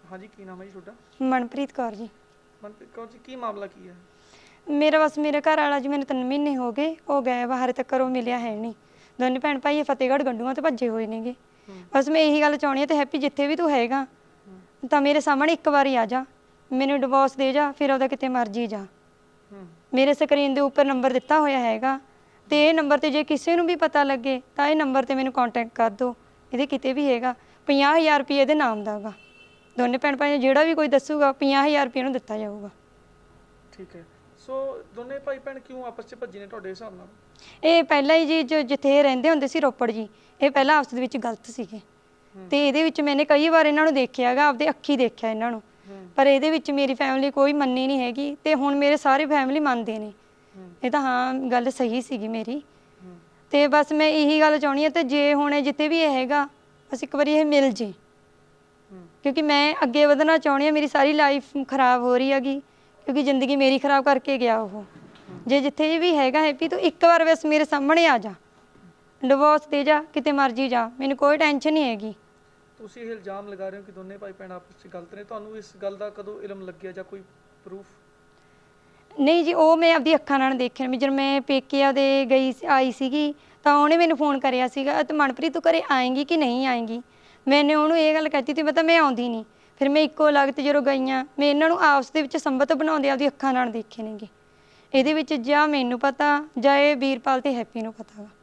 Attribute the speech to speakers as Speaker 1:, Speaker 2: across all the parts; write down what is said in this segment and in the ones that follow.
Speaker 1: हाँ जी, की नाम है जी ਤੁਹਾਡਾ?
Speaker 2: ਮਨਪ੍ਰੀਤ ਕੌਰ ਜੀ।
Speaker 1: ਮਨਪ੍ਰੀਤ ਕੌਰ ਜੀ, ਕੀ ਮਾਮਲਾ ਕੀ ਹੈ?
Speaker 2: ਮੇਰਾ ਬਸ ਮੇਰੇ ਘਰ ਵਾਲਾ ਜੀ, ਮੈਨੂੰ 3 ਮਹੀਨੇ ਹੋ ਗਏ, ਉਹ ਗਏ ਬਾਹਰ ਤੱਕ ਉਹ ਮਿਲਿਆ ਹੈ ਨਹੀਂ। ਦੋਨੇ ਭੈਣ ਭਾਈ ਫਤਿਹਗੜ੍ਹ ਗੰਡੂਆਂ ਤੇ ਭੱਜੇ ਹੋਏ ਨੇਗੇ। ਬਸ ਮੈਂ ਇਹੀ ਗੱਲ ਚਾਹੁੰਦੀ ਹਾਂ ਤੇ ਹੈਪੀ ਜਿੱਥੇ ਵੀ ਤੂੰ ਹੈਗਾ ਤਾਂ ਮੇਰੇ ਸਾਹਮਣੇ ਇੱਕ ਵਾਰੀ ਆ ਜਾ, ਮੈਨੂੰ ਡਿਵੋਰਸ ਦੇ ਜਾ, ਫਿਰ ਉਹਦਾ ਕਿਤੇ ਮਰਜੀ ਜਾ। ਮੇਰੇ ਸਕਰੀਨ ਦੇ ਉੱਪਰ ਨੰਬਰ ਦਿੱਤਾ ਹੋਇਆ ਹੈਗਾ ਤੇ ਇਹ ਨੰਬਰ ਤੇ ਜੇ ਕਿਸੇ ਨੂੰ ਵੀ ਪਤਾ ਲੱਗੇ ਤਾਂ ਇਹ ਨੰਬਰ ਤੇ ਮੈਨੂੰ ਕੰਟੈਕਟ ਕਰ ਦਿਓ। ਇਹਦੇ ਕਿਤੇ ਵੀ ਹੈਗਾ 50,000 ਰੁਪਏ ਇਹਦੇ ਨਾਮ ਦਾ ਗਾ। ਦੋਨੇ ਭੈਣ ਭਾਈ ਜਿਹੜਾ ਵੀ ਕੋਈ ਦੱਸੂਗਾ 50,000 ਰੁਪਏ ਨੂੰ ਦਿੱਤਾ ਜਾਊਗਾ।
Speaker 1: ਠੀਕ ਹੈ। ਸੋ ਦੋਨੇ ਭਾਈ ਭੈਣ ਕਿਉਂ ਆਪਸ 'ਚ ਭੱਜੇ ਨੇ ਤੁਹਾਡੇ ਹਿਸਾਬ ਨਾਲ?
Speaker 2: ਇਹ ਪਹਿਲਾਂ ਹੀ ਜੀ ਜੋ ਜਿੱਥੇ ਰਹਿੰਦੇ ਹੁੰਦੇ ਸੀ ਰੋਪੜ ਜੀ, ਇਹ ਪਹਿਲਾਂ ਆਪਸ ਦੇ ਵਿੱਚ ਗਲਤ ਸੀਗੇ ਤੇ ਇਹਦੇ ਵਿੱਚ ਮੈंने ਕਈ ਵਾਰ ਇਹਨਾਂ ਨੂੰ ਦੇਖਿਆ ਹੈਗਾ, ਆਪਦੇ ਅੱਖੀ ਦੇਖਿਆ ਇਹਨਾਂ ਨੂੰ, ਪਰ ਇਹਦੇ ਵਿੱਚ ਮੇਰੀ ਫੈਮਿਲੀ ਕੋਈ ਮੰਨੀ ਨਹੀਂ ਹੈਗੀ ਤੇ ਹੁਣ ਮੇਰੇ ਸਾਰੇ ਫੈਮਿਲੀ ਮੰਨਦੇ ਨੇ। ਇਹ ਤਾਂ ਹਾਂ ਗੱਲ ਸਹੀ ਸੀਗੀ ਮੇਰੀ ਤੇ ਬਸ ਮੈਂ ਇਹੀ ਗੱਲ ਚਾਹੁੰਦੀ ਹਾਂ ਤੇ ਜੇ ਹੁਣ ਜਿੱਥੇ ਵੀ ਇਹ ਹੈਗਾ ਬਸ ਇੱਕ ਵਾਰੀ ਇਹ ਮਿਲ ਜੇ, ਕਿਉਂਕਿ ਮੈਂ ਅੱਗੇ ਵਧਣਾ ਚਾਹੁੰਦੀ ਹਾਂ। ਮੇਰੀ ਸਾਰੀ ਲਾਈਫ ਖਰਾਬ ਹੋ ਰਹੀ ਹੈਗੀ ਕਿਉਂਕਿ ਜ਼ਿੰਦਗੀ ਮੇਰੀ ਖਰਾਬ ਕਰਕੇ ਗਿਆ ਉਹ। ਜੇ ਜਿੱਥੇ ਵੀ ਹੈਗਾ ਹੈਪੀ ਤੂੰ ਇੱਕ ਵਾਰ ਬਸ ਮੇਰੇ ਸਾਹਮਣੇ ਆ ਜਾ, ਡਿਵੋਰਸ ਦੇ ਜਾ, ਕਿਤੇ ਮਰਜੀ ਜਾ, ਮੈਨੂੰ ਕੋਈ ਟੈਨਸ਼ਨ ਨਹੀਂ ਹੈਗੀ।
Speaker 1: ਤੁਸੀਂ ਇਹ ਇਲਜ਼ਾਮ ਲਗਾ ਰਹੇ ਹੋ ਕਿ ਦੋਨੇ ਭਾਈ ਭੈਣ ਆਪਸ 'ਚ ਗਲਤ ਨੇ, ਤੁਹਾਨੂੰ ਇਸ ਗੱਲ ਦਾ ਕਦੋਂ ਇਲਮ ਲੱਗਿਆ ਜਾਂ ਕੋਈ ਪ੍ਰੂਫ?
Speaker 2: ਨਹੀਂ ਜੀ, ਉਹ ਮੈਂ ਆਪਦੀ ਅੱਖਾਂ ਨਾਲ ਦੇਖਿਆ। ਜਦੋਂ ਮੈਂ ਪੇਕਿਆਂ ਦੇ ਆਈ ਸੀਗੀ ਤਾਂ ਉਹਨੇ ਮੈਨੂੰ ਫੋਨ ਕਰਿਆ ਸੀਗਾ ਤੇ ਮਨਪ੍ਰੀਤ ਤੂੰ ਘਰੇ ਆਏਂਗੀ ਕਿ ਨਹੀਂ ਆਏਂਗੀ। ਮੈंने ਉਹਨੂੰ ਇਹ ਗੱਲ ਕਹਿਤੀ ਤੀ ਪਤਾ ਮੈਂ ਆਉਂਦੀ ਨਹੀਂ। ਫਿਰ ਮੈਂ ਇੱਕੋ ਲਗਤ ਜਦੋਂ ਗਈਆਂ ਮੈਂ ਇਹਨਾਂ ਨੂੰ ਆਪਸ ਦੇ ਵਿੱਚ ਸੰਬੰਧ ਬਣਾਉਂਦੇ ਆਪਦੀ ਅੱਖਾਂ ਨਾਲ ਦੇਖੇ ਨੇਗੇ। ਇਹਦੇ ਵਿੱਚ ਜਾਂ ਮੈਨੂੰ ਪਤਾ ਜਾਂ ਇਹ ਵੀਰਪਾਲ ਤੇ ਹੈਪੀ ਨੂੰ ਪਤਾ ਵਾ।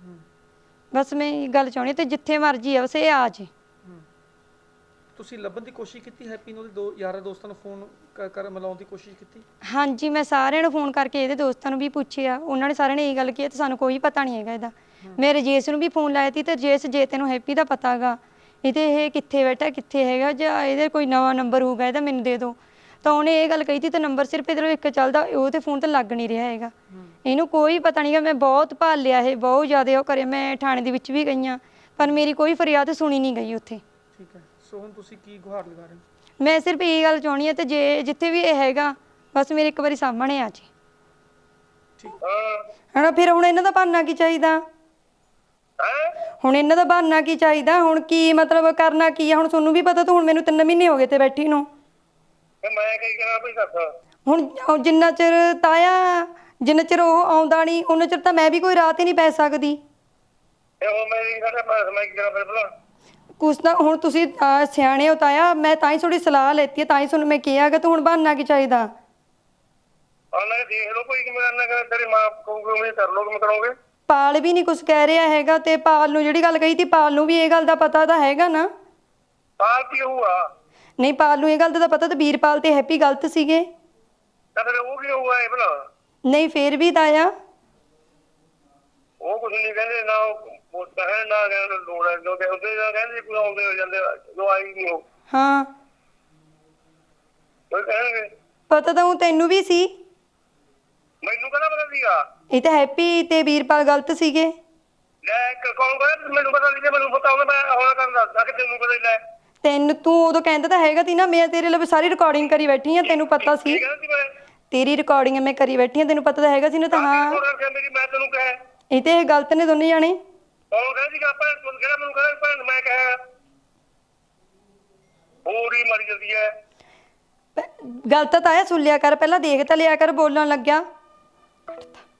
Speaker 2: ਬਸ ਮੈਂ ਇਹ ਗੱਲ ਚਾਹੁੰਦੀ ਤੇ ਜਿੱਥੇ ਮਰਜੀ ਆ ਬਸ ਇਹ ਆ ਜੇ।
Speaker 1: ਤੁਸੀਂ ਲੱਭਣ ਦੀ ਕੋਸ਼ਿਸ਼ ਕੀਤੀ ਹੈਪੀ ਨੂੰ? ਉਹਦੇ ਯਾਰਾਂ ਦੋਸਤਾਂ ਨੂੰ ਫੋਨ ਕਰ ਮਿਲਾਉਣ ਦੀ ਕੋਸ਼ਿਸ਼ ਕੀਤੀ?
Speaker 2: ਹਾਂਜੀ, ਮੈਂ ਸਾਰਿਆਂ ਨੂੰ ਫੋਨ ਕਰਕੇ ਇਹਦੇ ਦੋਸਤਾਂ ਨੂੰ ਵੀ ਪੁੱਛਿਆ, ਉਹਨਾਂ ਨੇ ਸਾਰਿਆਂ ਨੇ ਇਹ ਗੱਲ ਕੀਤੀ ਤੇ ਸਾਨੂੰ ਕੋਈ ਪਤਾ ਨਹੀਂ ਹੈਗਾ ਇਹਦਾ। ਮੈਂ ਰਜੇਸ਼ ਨੂੰ ਵੀ ਫੋਨ ਲਾਇਆ ਸੀ ਤੇ ਰਜੇਸ਼ ਜੇ ਤੈਨੂੰ ਹੈਪੀ ਦਾ ਪਤਾ ਗਾ ਇਹਦੇ ਇਹ ਕਿੱਥੇ ਬੈਠਾ ਕਿੱਥੇ ਹੈਗਾ ਜਾਂ ਇਹਦੇ ਕੋਈ ਨਵਾਂ ਨੰਬਰ ਹੋਊਗਾ ਇਹਦਾ ਮੈਨੂੰ ਦੇ ਦਿਓ, ਤਾਂ ਉਹਨੇ ਇਹ ਗੱਲ ਕਹੀ ਸੀ ਤੇ ਨੰਬਰ ਸਿਰਫ ਇਹਦੇ ਇੱਕ ਚੱਲਦਾ, ਉਹ ਤੇ ਫੋਨ ਤੇ ਲੱਗ ਨਹੀਂ ਰਿਹਾ ਹੈਗਾ। ਇਹਨੂੰ ਕੋਈ ਪਤਾ ਨਹੀਂ ਗਾ। ਮੈਂ ਬਹੁਤ ਭਾਲ ਲਿਆ, ਇਹ ਬਹੁਤ ਜ਼ਿਆਦਾ ਉਹ ਕਰਿਆ, ਮੈਂ ਥਾਣੇ ਦੇ ਵਿੱਚ ਵੀ ਗਈਆਂ ਪਰ ਮੇਰੀ ਕੋਈ ਫਰਿਆਦ ਸੁਣੀ ਨਹੀਂ ਗਈ ਉੱਥੇ।
Speaker 1: ਠੀਕ ਹੈ। ਸੋ ਹੁਣ ਤੁਸੀਂ ਕੀ ਗੁਹਾਰ ਲਗਾ ਰਹੇ ਹੋ?
Speaker 2: ਮੈਂ ਸਿਰਫ ਇਹ ਗੱਲ ਚਾਹੁੰਦੀ ਹਾਂ ਤੇ ਜੇ ਜਿੱਥੇ ਵੀ ਇਹ ਹੈਗਾ ਬਸ ਮੇਰੇ ਇੱਕ ਵਾਰੀ ਸਾਹਮਣੇ ਆ ਜੇ। ਹਨਾ ਫਿਰ ਹੁਣ ਇਹਨਾਂ ਦਾ ਬਹਾਨਾ ਕੀ ਚਾਹੀਦਾ? ਹੁਣ ਇਹਨਾਂ ਦਾ ਬਹਾਨਾ ਕੀ ਚਾਹੀਦਾ? ਹੁਣ ਕੀ ਮਤਲਬ ਕਰਨਾ ਕੀ ਆ? ਹੁਣ ਤੁਹਾਨੂੰ ਵੀ ਪਤਾ, ਤੂੰ ਹੁਣ ਮੈਨੂੰ 3 ਮਹੀਨੇ ਹੋ ਗਏ ਤੇ ਬੈਠੀ ਨੂੰ।
Speaker 3: ਮੈਂ ਕੀ ਕਰਾਂ ਬਈ ਦੱਸ।
Speaker 2: ਹੁਣ ਜਿੰਨਾ ਚਿਰ ਤਾਇਆ, ਜਿੰਨਾ ਚਿਰ ਉਹ ਆਉਂਦਾ ਨਹੀਂ ਉਹਨਾਂ ਚਿਰ ਤਾਂ ਮੈਂ ਵੀ ਕੋਈ ਰਾਤ ਹੀ ਨਹੀਂ ਪੈ ਸਕਦੀ।
Speaker 3: ਉਹ ਮੇਰੀ ਸਾਡੇ ਪਾਸ ਮੈਂ ਕੀ ਕਰਾਂ ਫਿਰ ਭਲਾ?
Speaker 2: ਕੁਛ ਤਾਂ ਹੁਣ ਤੁਸੀਂ ਸਿਆਣੇ ਹੋ ਤਾਇਆ, ਮੈਂ ਤਾਂ ਹੀ ਥੋੜੀ ਸਲਾਹ ਲੈਤੀ ਹੈ, ਤਾਂ ਹੀ ਤੁਹਾਨੂੰ ਮੈਂ ਕਿਹਾ ਕਿ ਤੂੰ ਹੁਣ ਬਹਾਨਾ ਕੀ ਚਾਹੀਦਾ?
Speaker 3: ਉਹਨਾਂ ਦੇਖ ਲਓ ਕੋਈ ਕਿਵੇਂ ਕਰਨਾ ਕਰ, ਤੇਰੀ ਮਾਂ ਕਹੂਗੀ ਉਵੇਂ ਕਰ ਲਓ, ਕਿਵੇਂ ਕਰੋਗੇ?
Speaker 2: ਪਾਲ ਵੀ ਨਹੀਂ ਕੁਛ ਕਹਿ ਰਿਹਾ ਹੈਗਾ ਤੇ ਪਾਲ ਨੂੰ ਜਿਹੜੀ ਗੱਲ ਕਹੀ ਤੀ ਪਾਲ ਨੂੰ ਵੀ ਇਹ ਗੱਲ ਦਾ ਪਤਾ ਤਾਂ ਹੈਗਾ ਨਾ।
Speaker 3: ਪਾਲ ਕੀ ਹੋਊਗਾ?
Speaker 2: ਨਹੀਂ, ਪਾਲ ਨੂੰ ਇਹ ਗੱਲ ਦਾ ਤਾਂ ਪਤਾ ਤੇ ਵੀਰਪਾਲ ਤੇ ਹੈਪੀ ਗਲਤ ਸੀਗੇ।
Speaker 3: ਤਾਂ ਫਿਰ ਉਹ ਕੀ ਹੋਊਗਾ ਇਹ ਭਲਾ?
Speaker 2: ਨਹੀਂ ਫੇਰ ਵੀ ਤਾਇਆ
Speaker 3: ਉਹ ਕੁਛ ਨਹੀਂ ਕਹਿੰਦੇ ਨਾ, ਉਹ ਕਹਿਣ ਨਾ ਕਹਿਣ ਲੋੜ ਹੈ ਜੋ ਉਹਦੇ ਦਾ ਕਹਿੰਦੇ ਕੋਈ ਆਉਂਦੇ ਹੋ ਜਾਂਦੇ ਜੋ ਆਈ ਨਹੀਂ ਉਹ।
Speaker 2: ਹਾਂ
Speaker 3: ਉਹ ਕਹਿਣਗੇ
Speaker 2: ਪਤਾ ਤਾਂ ਉਹ ਤੈਨੂੰ ਵੀ ਸੀ।
Speaker 3: ਮੈਨੂੰ ਕਹਿੰਦਾ ਪਤਾ ਸੀਗਾ
Speaker 2: ਇਹ ਤਾਂ ਹੈਪੀ ਤੇ ਵੀਰਪਾਲ ਗਲਤ ਸੀਗੇ।
Speaker 3: ਲੈ ਕੌਣ ਕਹਿੰਦਾ ਮੈਨੂੰ ਪਤਾ ਨਹੀਂ? ਮੈਨੂੰ ਪਤਾ ਹੋਵੇ ਮੈਂ ਹੁਣ ਕਰਨ ਦੱਸਦਾ ਕਿ ਤੈਨੂੰ ਪਤਾ ਹੀ ਲੈ।
Speaker 2: ਤੈਨੂੰ ਤੂੰ ਉਦੋਂ ਕਹਿੰਦਾ ਤਾਂ ਹੈਗਾ ਤੀ ਨਾ, ਮੈਂ ਤੇਰੇ ਲਈ ਸਾਰੀ ਰਿਕਾਰਡਿੰਗ ਕਰੀ ਬੈਠੀ ਆ, ਤੈਨੂੰ ਪਤਾ ਸੀ। ਤੇਰੀ ਰਿਕਾਰਡਿੰਗ ਮੈਂ ਕਰੀ ਬੈਠੀ ਆ, ਤੈਨੂੰ ਪਤਾ ਤਾਂ ਹੈਗਾ ਸੀ ਨਾ। ਤਾਂ ਹਾਂ
Speaker 3: ਮੇਰੀ ਮੈਂ ਤੈਨੂੰ ਕਹੇ
Speaker 2: ਇਹ ਤੇ ਗਲਤ ਨੇ ਦੋਨੇ ਜਾਣੇ।
Speaker 3: ਕੌਣ ਕਹਿੰਦਾ ਸੀਗਾ ਭੈਣ? ਤੂੰ ਕਿਹੜਾ ਮੈਨੂੰ ਕਹਿੰਦਾ ਭੈਣ ਮੈਂ ਕਹੇ? ਹੋਰ ਹੀ ਮਰ ਜਾਂਦੀ ਹੈ।
Speaker 2: ਗਲਤ ਤਾਂ ਆਇਆ ਸੁਣ ਲਿਆ ਕਰ, ਪਹਿਲਾਂ ਦੇਖ ਤਾਂ ਲਿਆ ਕਰ, ਬੋਲਣ ਲੱਗਿਆ।